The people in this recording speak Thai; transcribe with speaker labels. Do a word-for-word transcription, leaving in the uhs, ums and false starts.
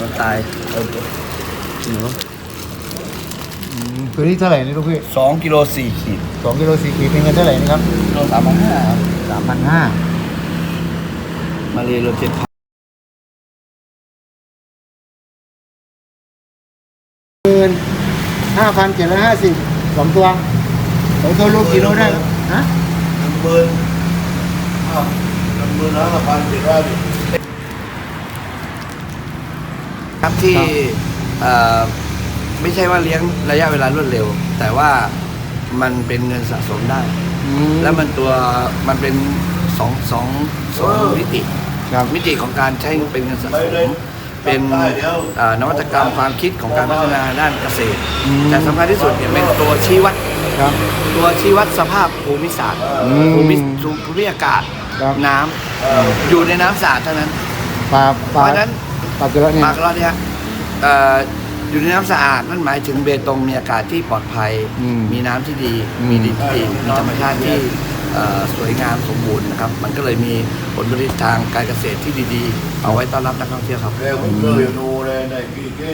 Speaker 1: คนตายหนู
Speaker 2: ตัวนี้เท่าไหร่นี่ลูกพี่
Speaker 1: สองกิโลสี่ขีด
Speaker 2: สองกิโลสี่ขีดเป็นเงินเท่าไหร่นะครับ
Speaker 1: กิโลสามพันห้าครับ
Speaker 2: สามพันห้า
Speaker 1: มาเรียโลเจ็ดพัน
Speaker 2: หมื่นห้าพันเจ็ดร้อยห้าสิบสองตัวสองตัวลูกกิโลได้ฮะ
Speaker 3: หนึ่งหมื่นอ้าวหนึ่งหมื่นห้าพันเจ็ดร้อยดิ
Speaker 1: ครับที่เอ่อไม่ใช่ว่าเลี้ยงระยะเวลารวดเร็ว แต่ว่ามันเป็นเงินสะสมได้ แล้วมันตัวมันเป็นสองสองสองมิติ
Speaker 2: ครับ
Speaker 1: มิติของการใช้เป็นเงินสะสมเป็นเอ่อนวัตกรรมความคิดของการพัฒนาด้านเกษตร แต่สำคัญที่สุดเนี่ยเป็นตัวชี้วัด
Speaker 2: ครับ
Speaker 1: ตัวชี้วัดสภาพภูมิศาสตร์
Speaker 2: อืม
Speaker 1: ภูมิภูมิอากาศ
Speaker 2: ครับ
Speaker 1: น้ำอยู่ในน้ำสะอาดเท่านั้น
Speaker 2: ปลา
Speaker 1: เพ
Speaker 2: ปลา
Speaker 1: ราะฉะนั้น
Speaker 2: ปลาเกลือเนี่ย
Speaker 1: ปากเราเนี่ยเอ่ออยู่ในน้ำสะอาดนั่นหมายถึงเบตงมีอากาศที่ปลอดภัย
Speaker 2: อืม
Speaker 1: มีน้ำที่ดี
Speaker 2: อืม
Speaker 1: มีดินที่ดีมีธรรมชาติที่เอ่อสวยงามสมบูรณ์นะครับ มันก็เลยมีผลผลิตทางการเกษตรที่ดีๆ เอาไว้ต้อนรับนักท่องเที่ยวครับ
Speaker 3: แกผมเคยดูเลยในพี่